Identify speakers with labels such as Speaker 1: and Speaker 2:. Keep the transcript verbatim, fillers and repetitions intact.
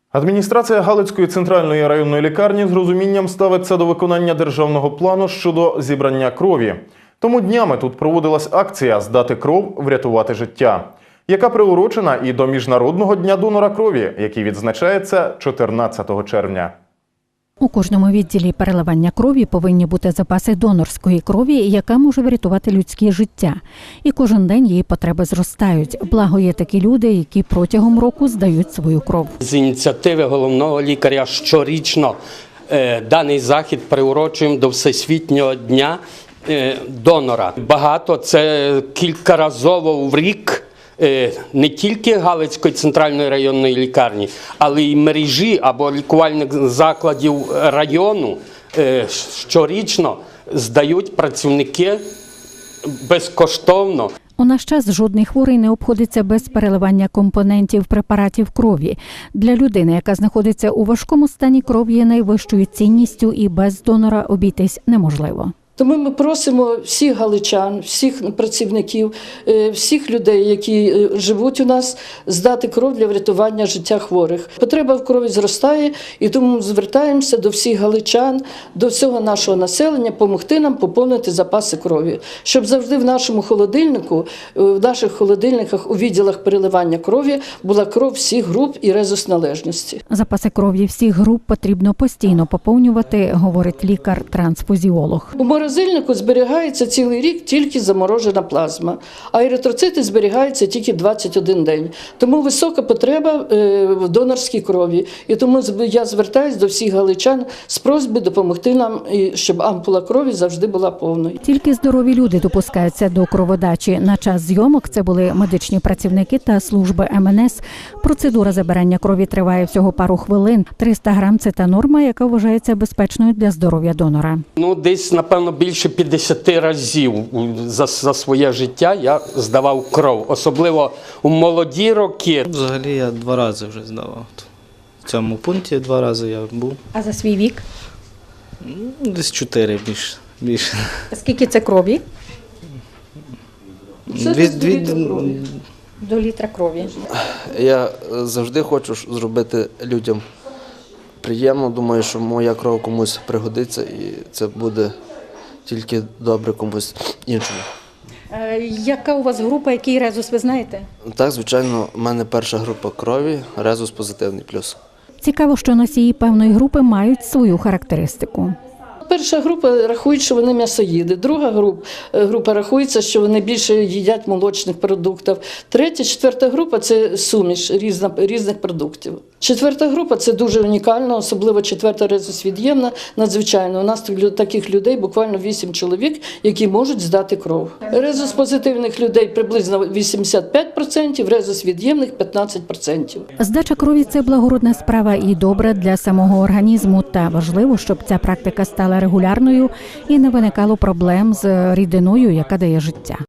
Speaker 1: Адміністрація Галицької центральної районної лікарні з розумінням ставиться до виконання державного плану щодо зібрання крові. Тому днями тут проводилась акція «Здати кров – врятувати життя», яка приурочена і до Міжнародного дня донора крові, який відзначається чотирнадцятого червня.
Speaker 2: У кожному відділі переливання крові повинні бути запаси донорської крові, яка може врятувати людське життя. І кожен день її потреби зростають. Благо є такі люди, які протягом року здають свою кров.
Speaker 3: З ініціативи головного лікаря щорічно е, даний захід приурочуємо до Всесвітнього дня е, донора. Багато, це кількаразово в рік. Не тільки Галицької центральної районної лікарні, але й мережі або лікувальних закладів району щорічно здають працівники безкоштовно.
Speaker 2: У наш час жодний хворий не обходиться без переливання компонентів препаратів крові. Для людини, яка знаходиться у важкому стані, кров є найвищою цінністю і без донора обійтись неможливо.
Speaker 4: Тому ми просимо всіх галичан, всіх працівників, всіх людей, які живуть у нас, здати кров для врятування життя хворих. Потреба в крові зростає, і тому звертаємося до всіх галичан, до всього нашого населення, допомогти нам поповнити запаси крові, щоб завжди в нашому холодильнику, в наших холодильниках у відділах переливання крові була кров всіх груп і резус-належності.
Speaker 2: Запаси крові всіх груп потрібно постійно поповнювати, говорить лікар-трансфузіолог.
Speaker 4: У морозильнику зберігається цілий рік тільки заморожена плазма, а еритроцити зберігаються тільки двадцять один день. Тому висока потреба в донорській крові. І тому я звертаюся до всіх галичан з просьбою допомогти нам, щоб ампула крові завжди була повною.
Speaker 2: Тільки здорові люди допускаються до кроводачі. На час зйомок це були медичні працівники та служби ем ен ес. Процедура забирання крові триває всього пару хвилин. триста грам – це та норма, яка вважається безпечною для здоров'я донора.
Speaker 3: Ну, десь, напевно, більше п'ятдесят разів за, за своє життя я здавав кров, особливо у молоді роки.
Speaker 5: Взагалі я два рази вже здавав. В цьому пункті два рази я був.
Speaker 2: А за свій вік?
Speaker 5: Десь чотири більше. більше.
Speaker 2: Скільки це крові?
Speaker 5: Дві, дві,
Speaker 2: До літра крові.
Speaker 6: Я завжди хочу зробити людям приємно. Думаю, що моя кров комусь пригодиться і це буде тільки добре комусь іншому.
Speaker 2: Е, яка у вас група, який резус, ви знаєте?
Speaker 6: Так, звичайно, в мене перша група крові, резус позитивний плюс.
Speaker 2: Цікаво, що носії певної групи мають свою характеристику.
Speaker 4: Перша група рахує, що вони м'ясоїди. Друга група, група рахується, що вони більше їдять молочних продуктів. Третя, четверта група – це суміш різна, різних продуктів. Четверта група – це дуже унікально, особливо четверта резус-від'ємна, надзвичайно. У нас таких людей буквально вісім чоловік, які можуть здати кров. Резус-позитивних людей приблизно вісімдесят п'ять відсотків, резус-від'ємних – п'ятнадцять відсотків.
Speaker 2: Здача крові – це благородна справа і добра для самого організму. Та важливо, щоб ця практика стала регулярною і не виникало проблем з рідиною, яка дає життя.